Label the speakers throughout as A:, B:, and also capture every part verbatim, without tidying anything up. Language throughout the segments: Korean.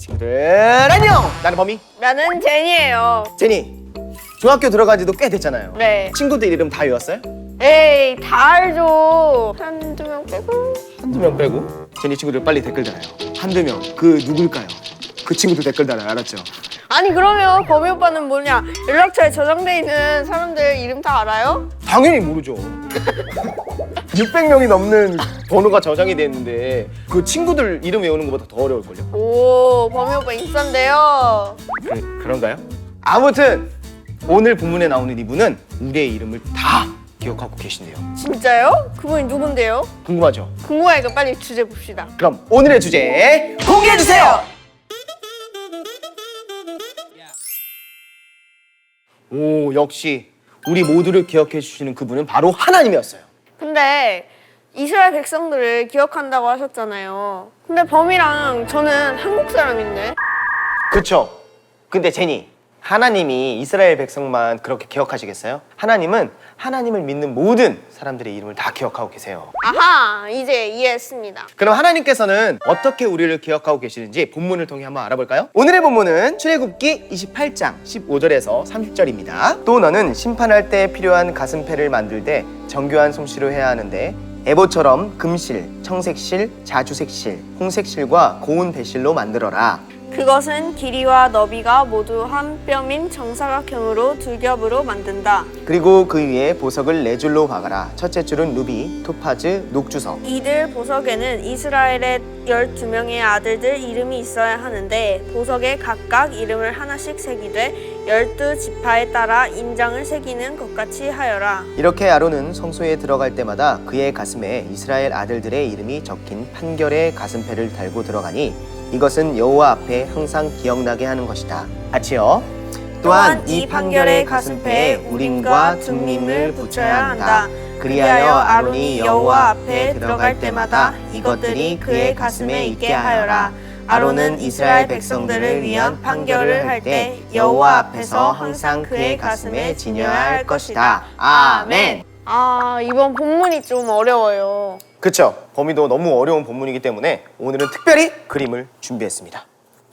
A: 친구들 안녕! 나는 범이.
B: 나는 제니예요.
A: 제니, 중학교 들어간 지도 꽤 됐잖아요.
B: 네.
A: 친구들 이름 다 외웠어요?
B: 에이, 다 알죠. 한두 명 빼고.
A: 한두 명 빼고. 제니 친구들 빨리 댓글 달아요. 한두 명, 그 누굴까요? 그 친구들 댓글 달아요. 알았죠?
B: 아니 그러면 범이 오빠는 뭐냐? 연락처에 저장돼 있는 사람들 이름 다 알아요?
A: 당연히 모르죠. 육백 명이 넘는 번호가 저장이 돼 있는데 그 친구들 이름 외우는 것보다 더 어려울걸요?
B: 오, 범이 오빠 인싸인데요.
A: 그, 그런가요? 아무튼 오늘 본문에 나오는 이분은 우리의 이름을 다 기억하고 계신대요.
B: 진짜요? 그분이 누군데요?
A: 궁금하죠?
B: 궁금하니까 빨리 주제 봅시다.
A: 그럼 오늘의 주제 공개해주세요! 오, 역시 우리 모두를 기억해 주시는 그분은 바로 하나님이었어요.
B: 근데 이스라엘 백성들을 기억한다고 하셨잖아요. 근데 범이랑 저는 한국 사람인데.
A: 그쵸? 근데 제니, 하나님이 이스라엘 백성만 그렇게 기억하시겠어요? 하나님은 하나님을 믿는 모든 사람들의 이름을 다 기억하고 계세요.
B: 아하, 이제 이해했습니다.
A: 그럼 하나님께서는 어떻게 우리를 기억하고 계시는지 본문을 통해 한번 알아볼까요? 오늘의 본문은 출애굽기 이십팔 장 십오 절에서 삼십 절입니다. 또 너는 심판할 때 필요한 가슴패를 만들 때 정교한 솜씨로 해야 하는데 에봇처럼 금실, 청색실, 자주색실, 홍색실과 고운 배실로 만들어라.
B: 그것은 길이와 너비가 모두 한 뼘인 정사각형으로 두 겹으로 만든다.
A: 그리고 그 위에 보석을 네 줄로 박아라. 첫째 줄은 루비, 토파즈, 녹주석.
B: 이들 보석에는 이스라엘의 열두 명의 아들들 이름이 있어야 하는데 보석에 각각 이름을 하나씩 새기되 열두 지파에 따라 인장을 새기는 것 같이 하여라.
A: 이렇게 아론은 성소에 들어갈 때마다 그의 가슴에 이스라엘 아들들의 이름이 적힌 판결의 가슴패를 달고 들어가니 이것은 여호와 앞에 항상 기억나게 하는 것이다. 같이요. 또한 이 판결의 가슴패에 우림과 tum밈을 붙여야 한다. 그리하여 아론이 여호와 앞에 들어갈 때마다 이것들이 그의 가슴에 있게 하여라. 아론은 이스라엘 백성들을 위한 판결을 할 때 여호와 앞에서 항상 그의 가슴에 지녀야 할 것이다. 아멘.
B: 아, 이번 본문이 좀 어려워요.
A: 그쵸? 범위도 너무 어려운 본문이기 때문에 오늘은 특별히 그림을 준비했습니다.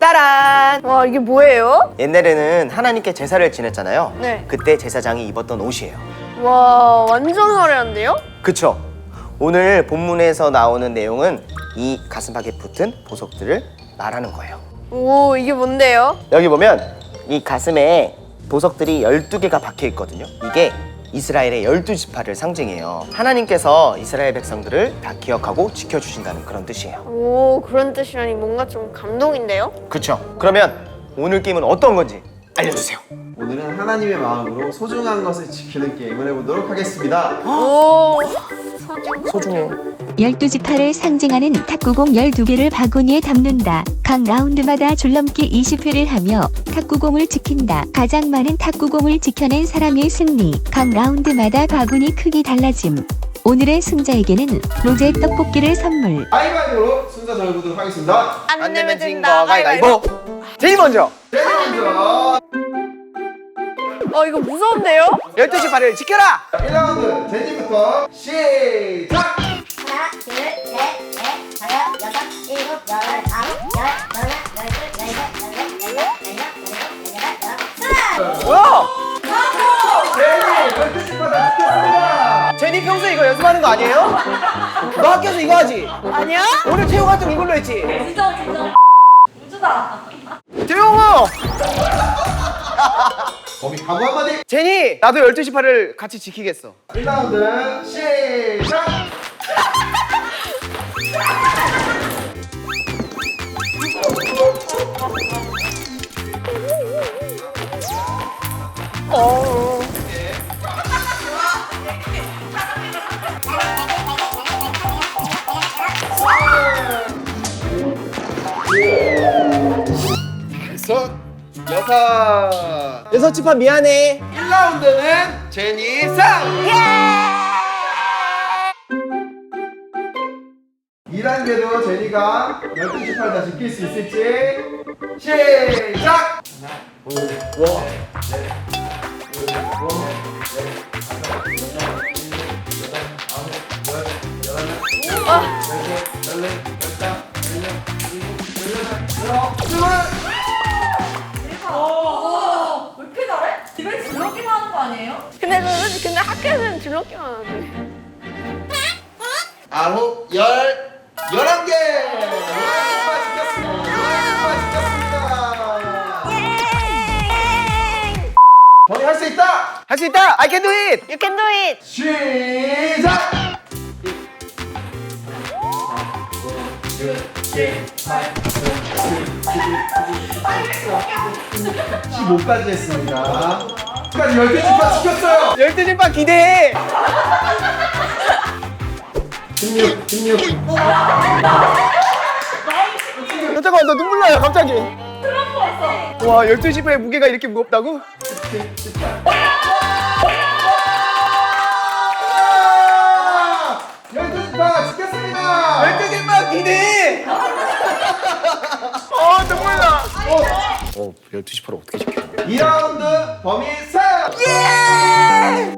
A: 따란!
B: 와, 이게 뭐예요?
A: 옛날에는 하나님께 제사를 지냈잖아요.
B: 네.
A: 그때 제사장이 입었던 옷이에요.
B: 와, 완전 화려한데요?
A: 그쵸? 오늘 본문에서 나오는 내용은 이 가슴팍에 붙은 보석들을 말하는 거예요.
B: 오, 이게 뭔데요?
A: 여기 보면 이 가슴에 보석들이 열두 개가 박혀 있거든요. 이게 이스라엘의 열두 지파를 상징해요. 하나님께서 이스라엘 백성들을 다 기억하고 지켜주신다는 그런 뜻이에요.
B: 오, 그런 뜻이라니 뭔가 좀 감동인데요?
A: 그쵸? 그러면 오늘 게임은 어떤 건지 알려주세요.
C: 오늘은 하나님의 마음으로 소중한 것을 지키는 게임을 해보도록 하겠습니다.
B: 오,
A: 소중해.
D: 열두 지파를 상징하는 탁구공 열두 개를 바구니에 담는다. 각 라운드마다 줄넘기 이십 회를 하며 탁구공을 지킨다. 가장 많은 탁구공을 지켜낸 사람의 승리. 각 라운드마다 바구니 크기 달라짐. 오늘의 승자에게는 로제 떡볶이를 선물.
C: 가위바위보로 순서 정해보도록 하겠습니다.
B: 안 내면 진다.
A: 가위바위보. 제일 먼저
C: 제일 먼저
B: 어, 이거 무서운데요?
A: 열두 지파를 지켜라.
C: 일 라운드 제니부터 시작!
E: 하나, 둘, 셋, 넷, 다섯, 여섯, 일곱, 여덟, 아홉, 열, 열하나, 열둘, 열셋, 열넷, 열다섯, 열여섯, 열일곱, 열여덟, 열아홉, 스물!
A: 뭐야?
C: 제니! 열두 지파 다 지켰습니다!
A: 제니 평소에 이거 연습하는 거 아니에요? 너 학교에서 이거 하지?
B: 아니야?
A: 오늘 태용 활동 이걸로 했지? 진짜 진짜 우주다. 태용아!
C: 범이 각오 한마디!
A: 제니! 나도 열두 지파를 같이 지키겠어.
C: 일 라운드 시작!
B: 어.
C: 여섯, 여섯!
A: 여섯 지파 미안해.
C: 일 라운드는 제니 상! 이 단계도 제니가 열두 지파를 다 지킬 수 있을지 시작!
A: 와.
C: 열셋, 열넷, 열다섯, 열여섯, 열일곱, 열여덟, 열아홉, 스물! 둘.
F: 왜 이렇게 잘해? 집에 줄넘기만 하는 거 아니에요?
B: 근데 저는 근데 학교에서는 줄넘기만 하는데.
C: 아홉, 열, 열한 개. 열한 지켰습니다. 열한 지켰습니다. 범이 할 수 있다.
A: 할 수 있다. I can do it.
B: You can do it.
C: 시작. 십오까지 했습니다. 까지 열 개 집합 지켰어요.
A: 열두 집합 기대해.
C: 십육, 십육.
A: 잠깐만, 나 눈물 나요, 갑자기. 와, 열두 집합의 무게가 이렇게 무겁다고?
C: 열두 집합 지켰습니다.
A: 열두 집합 기대해. 어, 눈물 나. 어, 열두 집합을 어떻게 지켜?
C: 이 라운드 범위 사.
A: 예!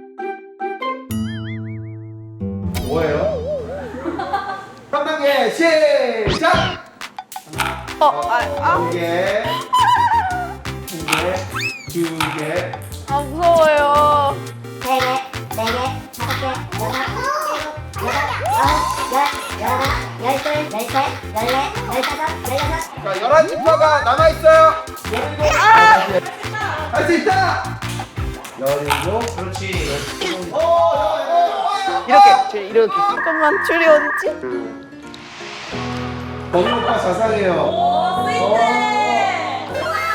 C: 뭐예요? 삼 단계 시작.
B: 어, 아, 아,
C: 두 개, 두 개, 두 개.
B: 아 무서워요.
E: 세 개, 네 개, 다섯 개, 여섯, 일곱, 여덟, 아홉, 열, 열하나, 열둘, 열셋, 열넷, 열다섯, 열여섯.
C: 자, 열한 지파가 남아 있어요. 열일곱. 할 수 있다. 열일곱. 그렇지. 오, 오, 오,
A: 이렇게, 제 이렇게.
B: 잠깐만 줄이 어딨지?
C: 범인 오빠 자상해요.
F: 오, 스윗해.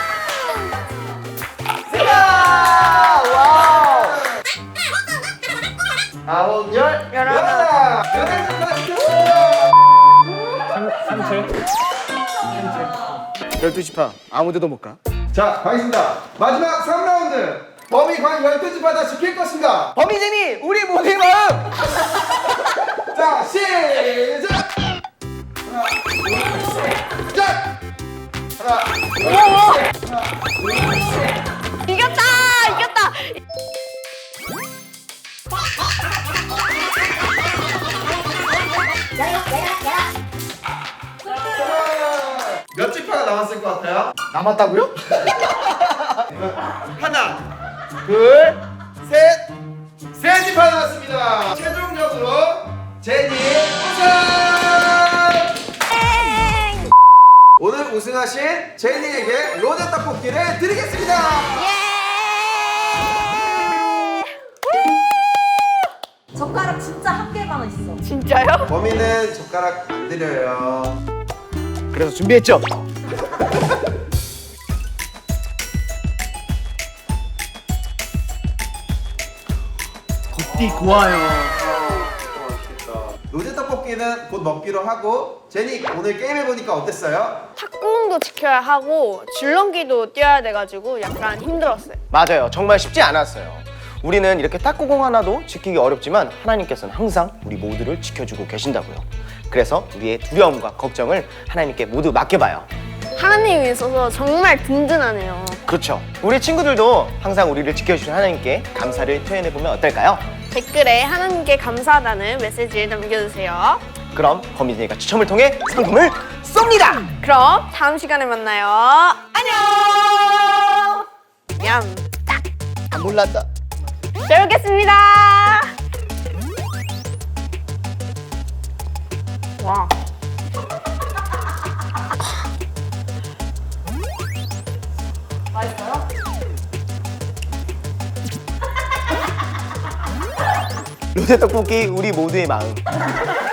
A: 와우.
C: 아홉, 열,
B: 열하나.
C: 열하나. 열한 지파 지켰어요.
A: 열두 집합 아무데도 못 가.
C: 자, 가겠습니다. 마지막 삼 라운드. 범위 과연 열두 지파 다 지킬 것인가?
A: 범이재미 우리 모두의 마음.
C: 자, 시작! 하나, 둘, 셋, 시작! 하나, 둘, 셋, 하나, 둘, 셋.
B: 이겼다, 이겼다.
E: 열일곱, 열여덟, 열아홉.
C: 몇 지파가 남았을 것 같아요?
A: 남았다고요?
C: 하나, 둘, 셋, 세 지파 남았습니다. 최종적으로 제니 우승! 오늘 우승하신 제니에게 로제 떡볶이를 드리겠습니다.
F: 젓가락 진짜 한 개만 있어.
B: 진짜요?
C: 범인은 젓가락 안 드려요.
A: 그래서 준비했죠. 굿디 고와요.
C: 로제 떡볶이는 곧 먹기로 하고 제니 오늘 게임 해보니까 어땠어요?
B: 탁구공도 지켜야 하고 줄넘기도 뛰어야 돼가지고 약간 힘들었어요.
A: 맞아요. 정말 쉽지 않았어요. 우리는 이렇게 탁구공 하나도 지키기 어렵지만 하나님께서는 항상 우리 모두를 지켜주고 계신다고요. 그래서 우리의 두려움과 걱정을 하나님께 모두 맡겨봐요.
B: 하나님이 있어서 정말 든든하네요.
A: 그렇죠. 우리 친구들도 항상 우리를 지켜주신 하나님께 감사를 표현해보면 어떨까요?
B: 댓글에 하나님께 감사하다는 메시지를 남겨주세요.
A: 그럼 범인이가 추첨을 통해 상품을 쏩니다.
B: 그럼 다음 시간에 만나요. 안녕. 냠.
A: 아, 몰랐다.
B: 잘 먹겠습니다. 와.
F: 맛있어요?
A: 로제 떡볶이 우리 모두의 마음.